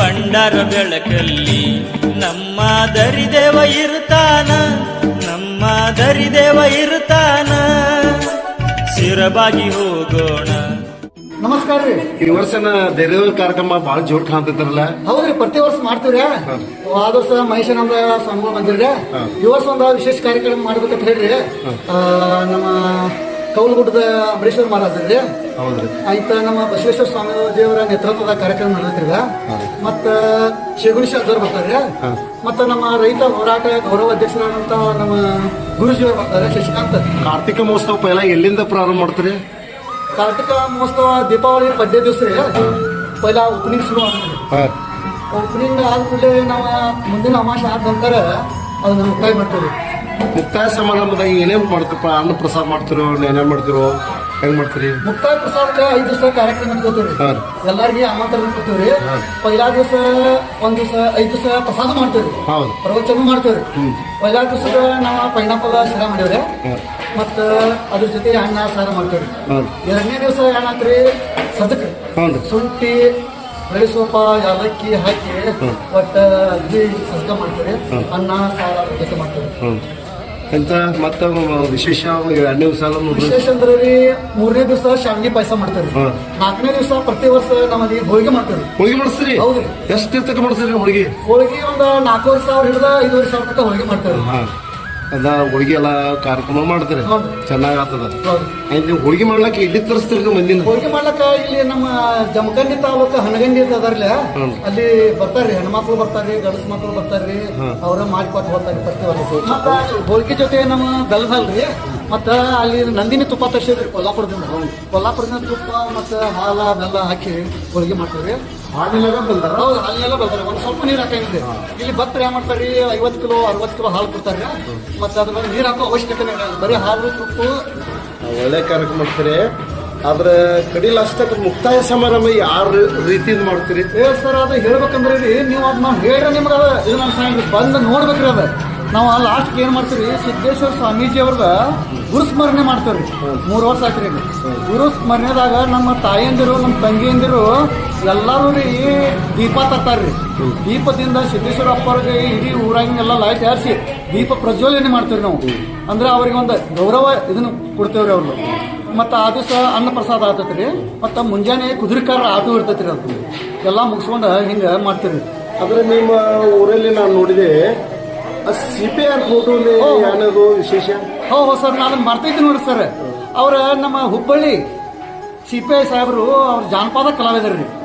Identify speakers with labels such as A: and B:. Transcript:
A: ಬಂಡಾರ ಬೆಳಕಲ್ಲಿ ನಮ್ಮ ದರಿದೇವ ಇರ್ತಾನ, ನಮ್ಮ ದರಿದೇವ ಇರ್ತಾನ, ಶಿರಬಾಗಿ ಹೋಗೋಣ.
B: ನಮಸ್ಕಾರ ರೀ.
C: ಈ ವರ್ಷನ ದೇವರ ಕಾರ್ಯಕ್ರಮ ಬಹಳ ಜೋರ್ ಕಾಣ್ತಿರ್ತಾರಲ್ಲ?
B: ಹೌದ್ರಿ, ಪ್ರತಿ ವರ್ಷ ಮಾಡ್ತೀವ್ರಿ. ಆದ ವರ್ಷ ಮಹೇಶಾನಂದ ಸ್ವಾಮಿಗಳು ಬಂದಿರ್ರಿ. ಈ ವರ್ಷ ಒಂದು ವಿಶೇಷ ಕಾರ್ಯಕ್ರಮ ಮಾಡ್ಬೇಕಂತ ಹೇಳ್ರಿ. ನಮ್ಮ ಕೌಲಗುಡ್ಡದ ಅಂಬರೀಶ್ವರ ಮಹಾರಾಜರ್ರಿ, ಆಯ್ತ ನಮ್ಮ ಬಸವೇಶ್ವರ ಸ್ವಾಮಿ ದೇವರ ನೇತೃತ್ವದ ಕಾರ್ಯಕ್ರಮ ನಡೆದ್ರಿ. ಮತ್ತ ಶಿಗುಣಿ ಶಾಸ್ತ್ರ ಬರ್ತಾರ್ರಿ. ಮತ್ತ ನಮ್ಮ ರೈತ ಹೋರಾಟ ಗೌರವ ಅಧ್ಯಕ್ಷರಾದಂತ ನಮ್ಮ ಗುರುಜಿಯವರು ಬರ್ತಾರೆ, ಶಶಿಕಾಂತ್.
C: ಕಾರ್ತಿಕ ಮಹೋತ್ಸವ ಪೈಲ ಎಲ್ಲಿಂದ ಪ್ರಾರಂಭ ಮಾಡ್ತೀರಿ?
B: ಕಾರ್ತಿಕ ಮಹೋತ್ಸವ ದೀಪಾವಳಿ ಪದ್ಯ ದಿವಸ ರೀ ಪೈಲ ಓಪನಿಂಗ್ ಶುರು ಆಗ್ತದೆ. ಓಪನಿಂಗ್ ಆದ್ಮೇಲೆ ನಾವು ಮುಂದಿನ ಅಮಾವಾಸ್ಯೆ ಆದ ನಂತರ ಅದನ್ನ ಮುಕ್ತಾಯ ಮಾಡ್ತೀವಿ.
C: ಮುಕ್ತಾಯ ಸಮಾರಂಭದಾಗ ಏನೇನು ಮಾಡ್ತೀರಪ್ಪ? ಅನ್ನ ಪ್ರಸಾದ ಮಾಡ್ತಿರೋ, ಏನೇನ್ ಮಾಡ್ತಿರೋ, ಹೆಂಗ್ ಮಾಡ್ತೀರಿ?
B: ಮುಕ್ತಾಯ ಪ್ರಸಾದಕ್ಕೆ 5 ದಿವಸ ಕಾರ್ಯಕ್ರಮ ಇಟ್ಕೋತೀವಿ. ಎಲ್ಲಾರ್ಗಿ ಆಮಂತ್ರಣ ಕೊಡ್ತೀವ್ರಿ. ಪೈಲಾ ದಿವಸ ಒಂದ್ ದಿವಸ 5 ದಿವಸ ಪ್ರಸಾದ ಮಾಡ್ತೇವ್ರಿ, ಪ್ರವಚನ ಮಾಡ್ತೇವ್ರಿ. ಪೈಲಾ ದಿವಸದ ನಾವು ಪೈನಾಪಲ್ ಶಿರಾ ಮಾಡೇವ್ರಿ, ಮತ್ತ ಅದ್ರ ಜೊತೆ ಅನ್ನ ಸಾರ ಮಾಡ್ತೇವ್ರಿ. 2ನೇ ದಿವಸ ಏನಾತ್ರಿ ಸದಕ್ ಶುಂಠಿ ಬೆಳೆ ಸೊಪ್ಪ ಯಾಲಕ್ಕಿ ಹಾಕಿ ಒಟ್ಟ ಅಗ್ದಿ ಸದಕ ಮಾಡ್ತೇವ್ರಿ. ಅನ್ನ ಸಾರ ಜೊತೆ ಮಾಡ್ತೇವ್ರಿ.
C: ಎಂತ ಮತ್ತ ವಿಶೇಷ 2ನೇ ದಿವಸ
B: ವಿಶೇಷ ಅಂದ್ರೆ ರೀ 3ನೇ ದಿವಸ ಶಾವಿಗೆ ಪಾಯಸ ಮಾಡ್ತೇವ್ರಿ. 4ನೇ ದಿವಸ ಪ್ರತಿ ವರ್ಷ ನಮ್ಮಲ್ಲಿ ಹೋಳಿಗೆ ಮಾಡ್ತೇವ್ರಿ.
C: ಹೋಳಿಗೆ ಮಾಡಿಸ್ತೀರಿ?
B: ಹೌದ್ರಿ.
C: ಎಷ್ಟು ತಕ್ಕ ಮಾಡಿಸ್ತೀರಿ ಹೋಳಿಗೆ?
B: ಹೋಳಿಗೆ ಒಂದು 4,500 ಹಿಡಿದ 5,500 ತನಕ ಹೋಳಿಗೆ ಮಾಡ್ತೇವ್ರಿ.
C: ಅದ ಹೋಳಿಗೆ ಎಲ್ಲ ಕಾರ್ಯಕ್ರಮ ಮಾಡ್ತೀರಿ, ಚೆನ್ನಾಗ್ ಆಗ್ತದ. ನೀವು ಹೋಳಿಗೆ ಮಾಡ್ಲಕ್ಕ ಇಲ್ಲಿ ತರಿಸ್ತೀರಿ ಮಂದಿನ? ಹೋಳಿಗೆ
B: ಮಾಡ್ಲಕ್ಕ ಇಲ್ಲಿ ನಮ್ಮ ಜಮಖಂಡಿ ತಾಲೂಕು ಹನಗಂಡಿ ಅದರ್ಲಿ ಅಲ್ಲಿ ಬರ್ತಾರ್ರಿ, ಹೆಣ್ಮಕ್ಳು ಬರ್ತಾರ್ರಿ, ಗಂಡಸ್ ಮಕ್ಳು ಬರ್ತಾರ್ರಿ, ಅವ್ರ ಮಾಡಿಕೊಟ್ಟು ಹೋಗ್ತಾರ್ರಿ ಪ್ರತಿ ವರ್ಷ. ಮತ್ತ ಹೋಳಿಗೆ ಜೊತೆ ನಮ್ಮ ಬೆಲ್ಲದಲ್ರಿ, ಮತ್ತ ಅಲ್ಲಿ ನಂದಿನಿ ತುಪ್ಪ ತರಿಸಿದ್ರಿ ಕೊಲ್ಲಾಪುರದಿಂದ ತುಪ್ಪ ಮತ್ತ ಹಾಲ ಬೆಲ್ಲ ಹಾಕಿ ಹೋಳಿಗೆ ಮಾಡ್ತೀವ್ರಿ.
C: ಹಾಲಿನೆಲ್ಲ ಬಂದಾರ?
B: ಹೌದು, ಹಾಲಿನೆಲ್ಲ ಬರ್ತಾರೆ. ಒಂದ್ ಸ್ವಲ್ಪ ನೀರು ಹಾಕಂಗಿದ್ರಿ. ಇಲ್ಲಿ ಭಕ್ತರು ಏನ್ ಮಾಡ್ತಾರ್ರಿ 50 ಕಿಲೋ 60 ಕಿಲೋ ಹಾಲು ಕೊಡ್ತಾರ್ರಿ. ಮತ್ತೆ ಅದ್ರ ಮೇಲೆ ನೀರು ಹಾಕೋ ಅವಶ್ಯಕತೆ ಇಲ್ಲ, ಬರೀ ಹಾಲು ತುಪ್ಪ.
C: ಒಳ್ಳೆ ಕಾರ್ಯಕ್ರಮ ಮಾಡ್ತೀರಿ. ಆದ್ರೆ ಕಡಿಲ ಅಷ್ಟಕ್ಕೆ ಮುಕ್ತಾಯ ಸಮಾರಂಭ ಯಾವ ರೀತಿಯಿಂದ ಮಾಡ್ತೀರಿ?
B: ಸರ್ ಅದು ಹೇಳ್ಬೇಕಂದ್ರೆ ರೀ ನೀವು ಅದ್ ನಾವು ಹೇಳ್ರಿ ನಿಮ್ಗೆ ಇದು ನಮ್ಮ ಸಾಂಗ್ ಬಂದು ನೋಡ್ಬೇಕ್ರಿ. ಅದ ನಾವು ಲಾಸ್ಟ್ ಏನ್ ಮಾಡ್ತೀವಿ, ಸಿದ್ದೇಶ್ವರ ಸ್ವಾಮೀಜಿ ಅವ್ರದ ಗುರುಸ್ಮರಣೆ ಮಾಡ್ತೇವ್ರಿ. 3 ವರ್ಷ ಆಯ್ತ್ರಿ. ಗುರು ಸ್ಮರಣೆದಾಗ ನಮ್ಮ ತಾಯಂದಿರು ನಮ್ಮ ತಂಗಿಯಂದಿರು ಎಲ್ಲರೂ ರೀ ದೀಪ ತರ್ತಾರ್ರಿ. ದೀಪದಿಂದ ಸಿದ್ದೇಶ್ವರ ಅಪ್ಪರಿಗೆ ಇಡೀ ಊರಾಗಿನೆಲ್ಲ ಲೈಟ್ ಹಾರಿಸಿ ದೀಪ ಪ್ರಜ್ವಲನೆ ಮಾಡ್ತೇವ್ರಿ ನಾವು. ಅಂದ್ರೆ ಅವ್ರಿಗೆ ಒಂದು ಗೌರವ ಇದನ್ನ ಕೊಡ್ತೇವ್ರಿ ಅವ್ರು. ಮತ್ತು ಆ ದಿವಸ ಅನ್ನ ಪ್ರಸಾದ ಆಗ್ತೈತ್ರಿ. ಮತ್ತು ಮುಂಜಾನೆ ಕುದುರೆಕಾರ ಆಟೋ ಇರ್ತೈತ್ರಿ. ಅದು ಎಲ್ಲ ಮುಗಿಸ್ಕೊಂಡು ಹಿಂಗೆ ಮಾಡ್ತೀರಿ.
C: ಆದ್ರೆ ನಿಮ್ಮ ಊರಲ್ಲಿ ನಾನು ನೋಡಿದೆ CPR ಫೋಟೋ ಏನದು ವಿಶೇಷ?
B: ಹೌದು ಸರ್, ನಾನು ಮಾಡ್ತೈತಿ ನೋಡಿ ಸರ್. ಅವ್ರ ನಮ್ಮ ಹುಬ್ಬಳ್ಳಿ CPI ಸಾಹೇಬರು ಅವ್ರ ಜಾನಪದ ಕಲಾವಿದರು ರೀ.